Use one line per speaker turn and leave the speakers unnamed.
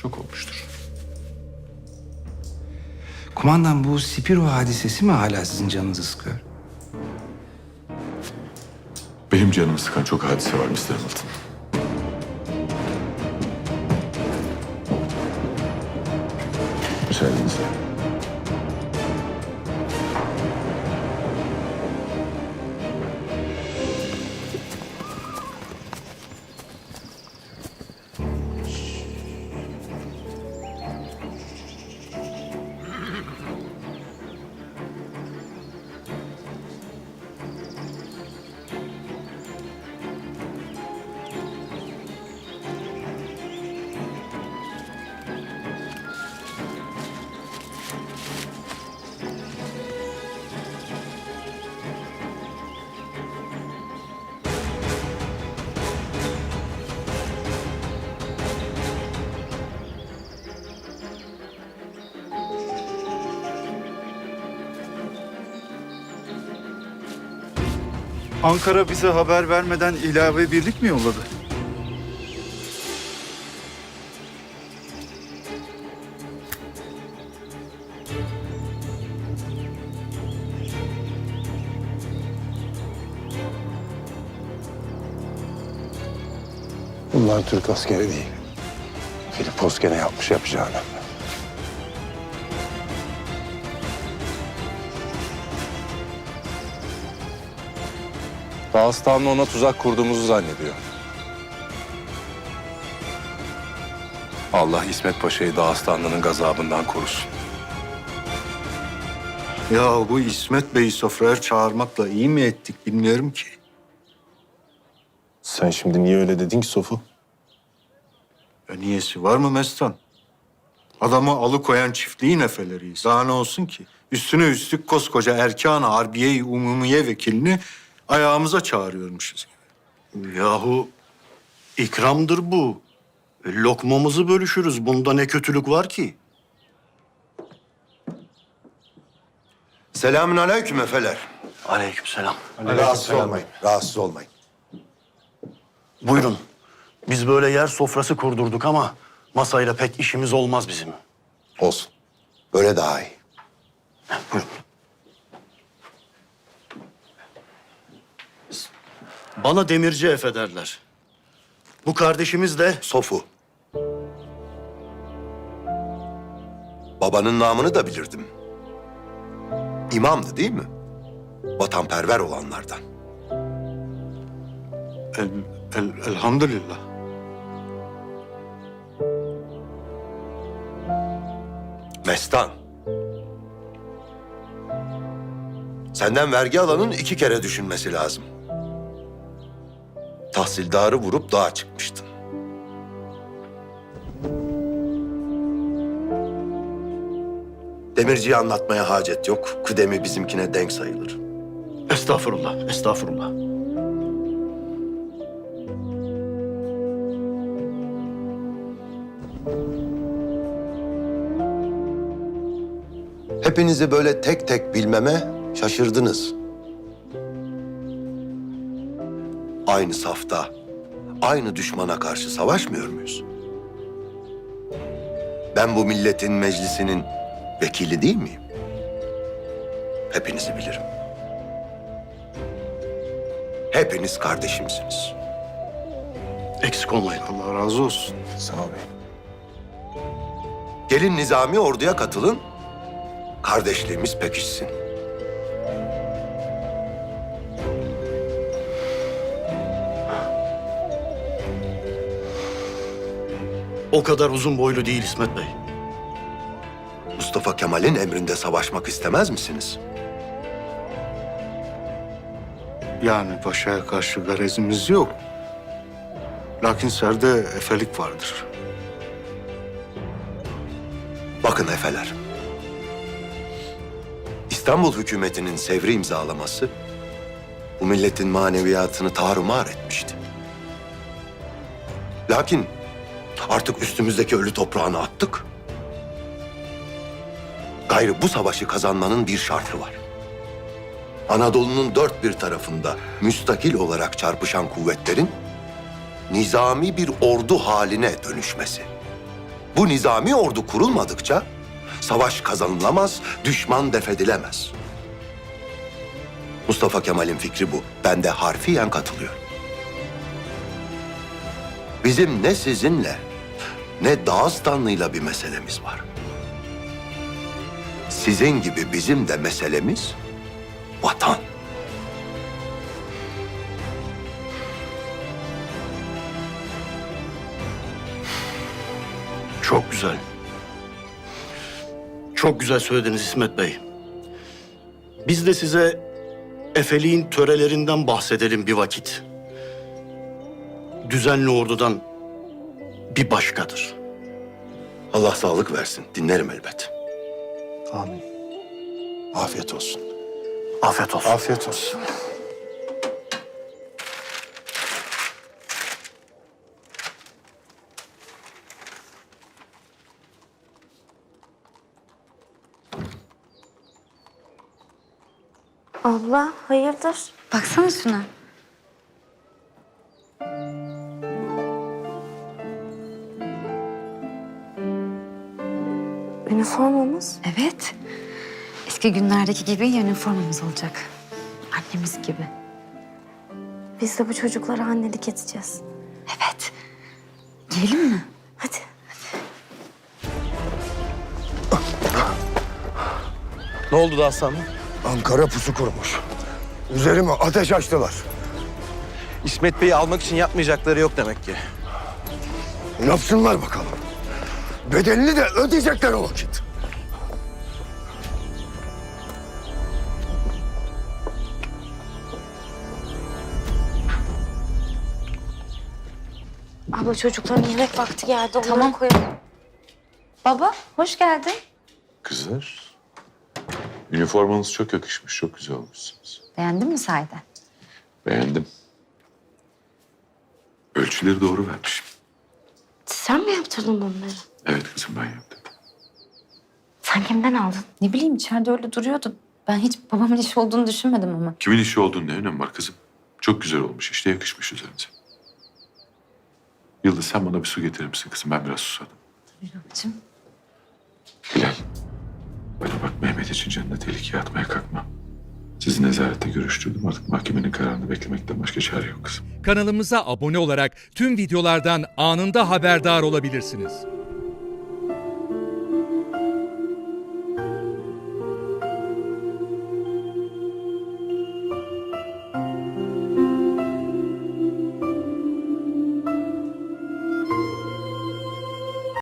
çok olmuştur.
Kumandan, bu Spiro hadisesi mi hala sizin canınızı sıkıyor?
Benim canımı sıkan çok hadise var Mr. Hamilton. Müsaadenizle.
Ankara bize haber vermeden ilave birlik mi yolladı?
Bunlar Türk askeri değil. Filipos gene yapmış yapacağını.
Dağıstanlı ona tuzak kurduğumuzu zannediyor. Allah İsmet Paşa'yı Dağıstanlı'nın gazabından korusun.
Ya bu İsmet Bey'i sofraya çağırmakla iyi mi ettik bilmiyorum ki.
Sen şimdi niye öyle dedin ki Sofu?
Niyesi var mı Mestan? Adamı alıkoyan çiftliğin efeleriyiz. Daha ne olsun ki? Üstüne üstlük koskoca Erkan-ı Harbiye-i Umumiye vekilini ayağımıza çağırıyormuşuz.
Yahu ikramdır bu. Lokmamızı bölüşürüz. Bunda ne kötülük var ki?
Selamünaleyküm efeler.
Aleykümselam.
Rahatsız olmayın, rahatsız olmayın.
Buyurun. Biz böyle yer sofrası kurdurduk ama masayla pek işimiz olmaz bizim.
Olsun. Böyle daha iyi.
Buyurun. Bana demirci efe derler. Bu kardeşimiz de
Sofu. Babanın namını da bilirdim. İmamdı değil mi? Vatanperver olanlardan.
Elhamdülillah.
Mestan. Senden vergi alanın 2 kere düşünmesi lazım. Tahsildarı vurup dağa çıkmıştın. Demirciyi anlatmaya hacet yok. Kıdemi bizimkine denk sayılır.
estağfurullah, estağfurullah.
Hepinizi böyle tek tek bilmeme şaşırdınız. Aynı safta, aynı düşmana karşı savaşmıyor muyuz? Ben bu milletin meclisinin vekili değil miyim? Hepinizi bilirim. Hepiniz kardeşimsiniz.
Eksik olmayın.
Allah razı olsun.
Sağ ol beyim.
Gelin nizami orduya katılın, kardeşliğimiz pekişsin.
O kadar uzun boylu değil İsmet Bey.
Mustafa Kemal'in emrinde savaşmak istemez misiniz?
Yani paşaya karşı garezimiz yok. Lakin serde efelik vardır.
Bakın efeler. İstanbul hükümetinin Sevr'i imzalaması bu milletin maneviyatını tarumar etmişti. Lakin artık üstümüzdeki ölü toprağını attık. Gayrı bu savaşı kazanmanın bir şartı var. Anadolu'nun dört bir tarafında müstakil olarak çarpışan kuvvetlerin nizami bir ordu haline dönüşmesi. Bu nizami ordu kurulmadıkça savaş kazanılamaz, düşman defedilemez. Mustafa Kemal'in fikri bu. Ben de harfiyen katılıyorum. Bizim ne sizinle ne Dağıstanlı'yla bir meselemiz var. Sizin gibi bizim de meselemiz vatan.
Çok güzel. Çok güzel söylediniz İsmet Bey. Biz de size Efeliğin törelerinden bahsedelim bir vakit. Düzenli ordudan bir başkadır.
Allah sağlık versin. Dinlerim elbet.
Amin. Afiyet olsun.
Afiyet olsun.
Afiyet olsun.
Abla hayırdır?
Baksana şuna.
Üniformamız.
Evet. Eski günlerdeki gibi üniformamız olacak. Annemiz gibi.
Biz de bu çocuklara annelik edeceğiz.
Evet. Giyelim mi?
Hadi.
Ne oldu da aslanım?
Ankara pusu kurmuş. Üzerime ateş açtılar.
İsmet Bey'i almak için yapmayacakları yok demek ki.
Yapsınlar bakalım. Bedelini de ödeyecekler o vakit.
Abla çocukların yemek vakti geldi. Onları
Tamam.
koyalım.
Baba, hoş geldin.
Kızlar, üniformanız çok yakışmış, çok güzel olmuşsunuz.
Beğendin mi sahiden?
Beğendim. Ölçüleri doğru vermişim.
Sen mi yaptırdın bunları?
Evet kızım, ben yaptım.
Sen kimden aldın?
Ne bileyim içeride öyle duruyordu. Ben hiç babamın işi olduğunu düşünmedim ama.
Kimin işi olduğunu ne önemi var kızım? Çok güzel olmuş, işte yakışmış üzerinize. Yıldız, sen bana bir su getirir misin kızım? Ben biraz susadım.
Babacığım.
Hilal, bana bak, Mehmet için canını tehlikeye atmaya kalkma. Sizi nezarette görüştürdüm. Artık mahkemenin kararını beklemekten başka çare yok kızım.
Kanalımıza abone olarak tüm videolardan anında haberdar olabilirsiniz.